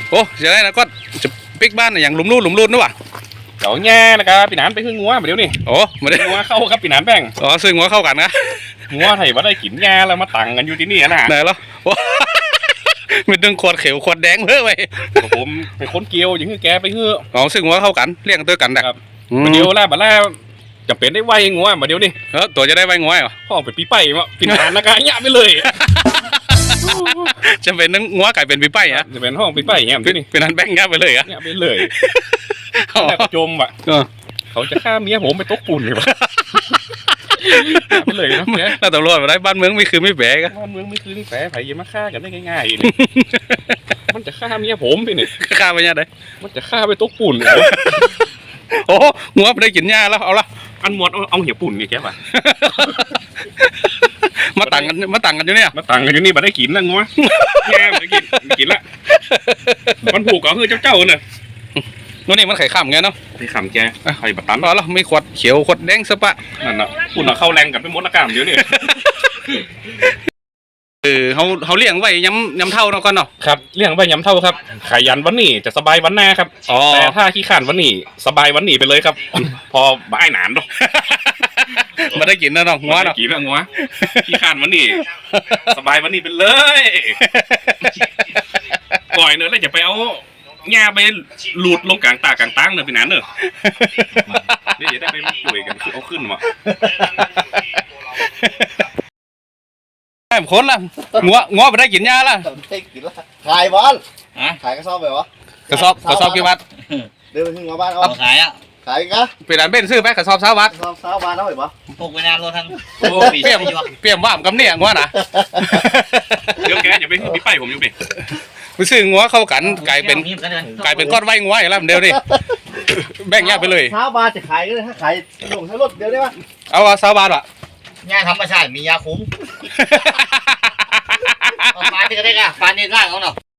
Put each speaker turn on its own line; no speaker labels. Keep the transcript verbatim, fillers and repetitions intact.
โอ้จะได้นะก็จะปิกบ้านอย่างหลุมรูดหลุมรูดนึกว่า
เดี๋ยวแง่นะครับปีนานไปขึ้นงัวมาเดี๋ยวนี้
โอ้มาได้
งัวเข้าครับปีนานแป้ง
อ๋อซึ่งงัวเข้ากันนะ
งัวไทยว่าได้กินแง่แล้วมาตังกันอยู่ที่นี่นะ
ไหนแล้วมีดึงขวดเขียวขวดแดงเพิ่มไป
ผมไปค้นเกลียวอย่างคือแกไปเฮือ
อ๋อซึ่งงัวเข้ากันเลี้ยงตัวกันนะครับ
มาเดียวแล้วมาแล้วจะเป็นได้ไวงัวมาเดี๋ยวนี้
เออตัวจะได้ไวงัวเหรอ
พ่อเป็นปีไปมาปีนานนะกะเนี่ยไปเลย
จะเป็นนึงงัวไก่เป็นปีไปฮะ
จะเป็นห้องปีไปเนี่ยที่นี่
เป็นนั้นแบงค์ง่ายไปเลยอะ
เนี่ยไปเลยแต่จมอ่ะเขาจะฆ่าเมียผมไปตกปุ่นเลยวะไปเลยนะแก
แล้วตำรวจมาได้บ้านเมืองไม่คือไม่แฝงกัน
บ้านเมืองไม่คือไม่แฝงไผ่ยังมาฆ่ากันได้ง่ายๆนี่มันจะฆ่าเมียผมพี่นี่
ฆ่าไปยังไง
มันจะฆ่าไปตกปุ่น
โอ้งัวไปได้กินหญ้าแล้วเอาละ
อันหมดเอาเหี่ยวปุ่นนี่แกป่ะ
มาต่างกันมาต่างกันอยู่เนี่ย
มาต่างกันอยู่นี่มาได้กินแล้วงัวแง่มาได้กินกินละมันผูกกับเฮือเจ้าเจ้าเนี่ย
นู่นนี่มันไข่ข้ามไงเนาะ
ไข่ข้ามแกไข่บัตตัน
พอแล้วมีขวดเขียวขวดแดงสปะ
นั่นน่ะปุ่นเอาเข้าแรงกับไปมดอากาศเดี๋ยวนี้
เออเขาเขาเลี้ยงไว้ย้ำย้ำเท่าเนาะก่อนเนาะ
ครับเลี้ยงไว้ย้ำเท่าครับขยันวันนี้จะสบายวันหน้าครับแต่ถ้าขี้ข้านวันนี้สบายวันนี้ไปเลยครับพอบ่ายหนานดอก
มาได้กินนะน้องงัวเนาะ
กินแล้วงัวขี้ข้านวันนี้สบายวันนี้ไปเลยก่อยเนอะแล้วจะไปเอาหญ้าไปหลุดลงกลางตากลางตั้งเนอะพี่นันเนอะนี่จะได้ไปป่วยกันคือเอาขึ้นมา
ไอ้คนละงัวงัวไปได้กินหญ้าละ
ขายบอลขายกระสอบแบบวะ
กระสอบกระสอบกี่บาท
เดินไปถึงบ้านเอา
ขายอ่ะ
ขายกะ
เป็นอันเบ้นซื้อไปกระสอบสามบาท
กระสอบสามบาทเท่าไหร่ปะ
ปลูกไปนานแล้วทั้ง
เปรี้ยมเปรี้ยมว่ามกำเนี่ยงัวนะ
เดี๋ยวแกอย่าไปพี่ไปผมอยู่ดิ
ไปซื้องัวเข้ากันกลายเป็นกลายเป็นก้อนไว้งัวอย่างไรเดียวดิแบ่งแยกไปเลย
สามบาทจะขายก็ได้ถ้าขายลงใช้รถเดียวได้ปะ
เอาสามบาทอ่ะ
ยาธรรมชาติมียาคุ้มปลาที่กระเด็กอ่ะปลาในร่างเขาเนาะ